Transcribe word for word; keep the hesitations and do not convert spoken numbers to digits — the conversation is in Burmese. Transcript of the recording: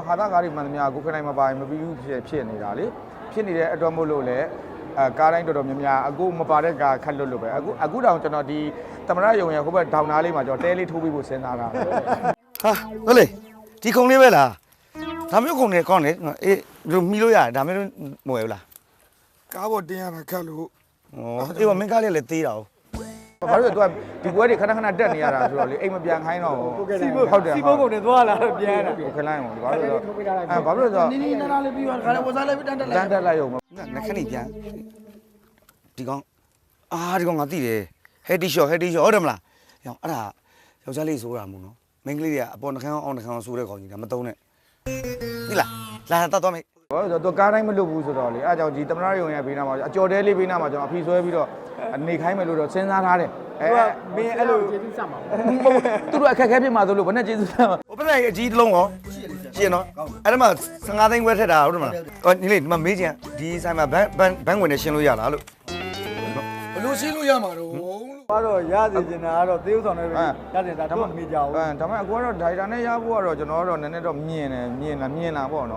ဟာသားကားတွေမှန်သမျှကိုခနိုင်မပိုင်မပြီးဘူးဖြစ်ဖြစ်နေတာလေဖြစ်နေတဲ့အတွက်မို့လို့လေအဲကားတိုင်းတော်တော်များများအခုမပါတဲ့ကားခက်လွတ်လို့ပဲအခုအခုတောင်ကျွန်တော်ဒီသမရယုံရဟိုဘက်ဒေါင်နာလေးမှာကျွန်တော်တဲလေးထိုးပြီးဖို့စဉ်းစားတာဟာဟုတ်လေဒီခုံလေးပဲလားဒါမျိုးခုံနေကောင်းလေအေးမီလို့ရတယ်ဒါမျိုးမဝယ်ဘူးလားကားပေါ်တင်းရတာခက်လို့ဩအေးမင်းကားလေးလည်းသေးတာဘာလို့လဲ तू ဒီပွဲတွေခဏခဏတက်နေရတာဆိုတော့လေအိမ်မပြန်ခိုင်းတော့ဟုတ်တယ်စီဘုတ်ကုန်နေသွားလာတော့ပြန်တာခလိုင်းအောင်ဘာလို့လဲအဲဘာလို့လဲဆိုတော့နင်းနေနားလေးပြီးတော့ခါလေးဝစားလိုက်ပြီးတန်းတက်လိုက်တန်းတက်လိုက်ရုံငါခဏပြန်ဒီကောင်အာဒီကောင်ငါသိတယ်ဟက်တီရှော့ဟက်တီရှော့ဟုတ်တယ်မလားရောအဲ့ဒါယောက်ျားလေးဆိုတာမို့နော်မိန်းကလေးတွေကအပေါ်နှခမ်းအောင်နှခမ်းအောင်ဆိုတဲ့ကောင်ကြီးဒါမသုံးနဲ့ဒီလားလာတတ်တော့မေဘာလို့ဆိုတော့ तू ကားတိုင်းမလွတ်ဘူးဆိုတော့လေအဲအကြောင်းဒီသမရယုံရဘေးနားမှာအကျော်တဲလေးဘေးနားမှာကျွန်တော်အဖီဆွဲပြီးတော့နေခိုင်းမယ်လို့တော့စဉ်းစားထားတယ်အဲမင်းအဲ့လိုကျေးဇူးဆက်မှာသူတို့အခက်ခဲဖြစ်မှာဆိုလို့ဘယ်နဲ့ကျေးဇူးဆက်မှာဟိုပလိုက်အကြီးတစ်လုံးရောရှင်းနော်အဲ့ဒါမှဆယ်ငါးသိန်းခွဲထက်တာဟုတ်တယ်မလားဟောညီလေးဒီမှာမေးချင်ဒီဆိုင်မှာဘန်ဘန်ဘန်ဝင်နေရှင်းလို့ရလားလို့ဘလို့ရှင်းလို့ရမှာတော့ဘာတော့ရစီကျင်တာကတော့သေဥဆောင်နဲ့ပဲရစီတာတော့မမေ့ကြဘူးအဲဒါပေမဲ့အခုကတော့ဒိုင်တာနဲ့ရဖို့ကတော့ကျွန်တော်ကတော့နည်းနည်းတော့မြင်တယ်မြင်လာမြင်လာပေါ့နော်